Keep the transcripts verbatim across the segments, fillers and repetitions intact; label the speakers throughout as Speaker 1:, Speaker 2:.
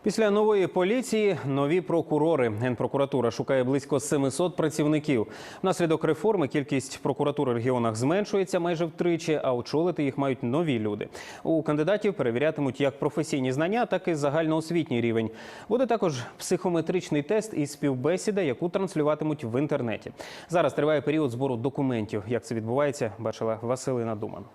Speaker 1: Після нової поліції – нові прокурори. Генпрокуратура шукає близько семисот працівників. Внаслідок реформи кількість прокуратур у регіонах зменшується майже втричі, а очолити їх мають нові люди. У кандидатів перевірятимуть як професійні знання, так і загальноосвітній рівень. Буде також психометричний тест і співбесіда, яку транслюватимуть в інтернеті. Зараз триває період збору документів. Як це відбувається, бачила Василина Думан.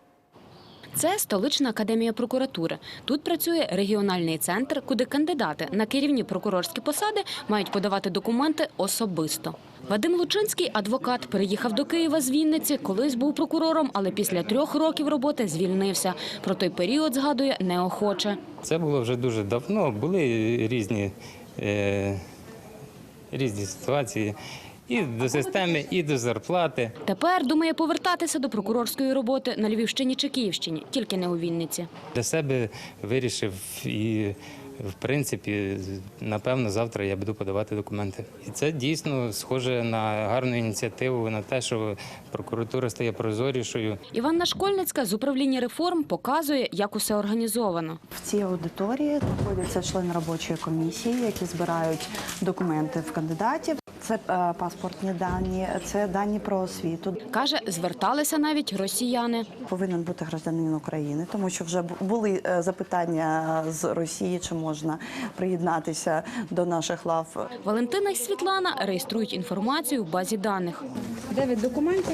Speaker 2: Це столична академія прокуратури. Тут працює регіональний центр, куди кандидати на керівні прокурорські посади мають подавати документи особисто. Вадим Лучинський, адвокат, переїхав до Києва з Вінниці, колись був прокурором, але після трьох років роботи звільнився. Про той період, згадує, неохоче.
Speaker 3: Це було вже дуже давно, були різні, е, різні ситуації. І до системи, і до зарплати.
Speaker 2: Тепер думає повертатися до прокурорської роботи на Львівщині чи Київщині, тільки не у Вінниці.
Speaker 3: Для себе вирішив і, в принципі, напевно, завтра я буду подавати документи. І це дійсно схоже на гарну ініціативу, на те, що прокуратура стає прозорішою.
Speaker 2: Іванна Школьницька з управління реформ показує, як усе організовано.
Speaker 4: В цій аудиторії знаходяться члени робочої комісії, які збирають документи в кандидатів. Це паспортні дані, це дані про освіту.
Speaker 2: Каже, зверталися навіть росіяни.
Speaker 4: Повинен бути громадянин України, тому що вже були запитання з Росії, чи можна приєднатися до наших лав.
Speaker 2: Валентина і Світлана реєструють інформацію в базі даних.
Speaker 5: Дев'ять документів,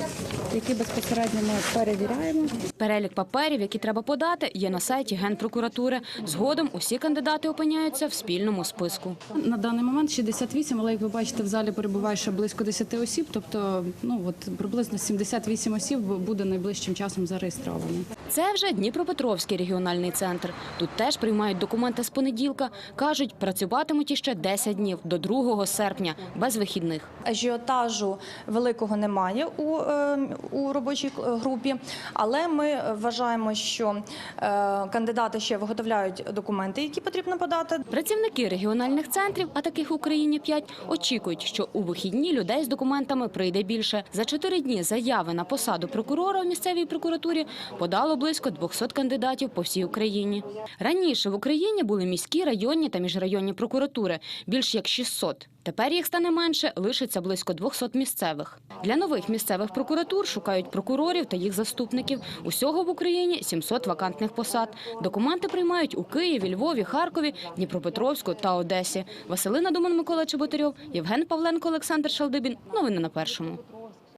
Speaker 5: які безпосередньо ми перевіряємо.
Speaker 2: Перелік паперів, які треба подати, є на сайті Генпрокуратури. Згодом усі кандидати опиняються в спільному списку.
Speaker 5: На даний момент шістдесят вісім, але як ви бачите, в залі перебуває ще близько десяти осіб, тобто ну, от, приблизно сімдесят вісім осіб буде найближчим часом зареєстровані.
Speaker 2: Це вже Дніпропетровський регіональний центр. Тут теж приймають документи з понеділка. Кажуть, працюватимуть іще десять днів, до другого серпня, без вихідних.
Speaker 6: Ажіотажу великого немає у, у робочій групі, але ми вважаємо, що кандидати ще виготовляють документи, які потрібно подати.
Speaker 2: Працівники регіональних центрів, а таких в Україні п'ять, очікують, що у вихідні людей з документами прийде більше. За чотири дні заяви на посаду прокурора у місцевій прокуратурі подало близько двохсот кандидатів по всій Україні. Раніше в Україні були міські, районні та міжрайонні прокуратури – більш як шістсот. Тепер їх стане менше, лишиться близько двохсот місцевих. Для нових місцевих прокуратур шукають прокурорів та їх заступників. Усього в Україні сімсот вакантних посад. Документи приймають у Києві, Львові, Харкові, Дніпропетровську та Одесі. Василина Думан, Микола Чеботарьов, Євген Павленко, Олександр Шалдибін. Новини на Першому.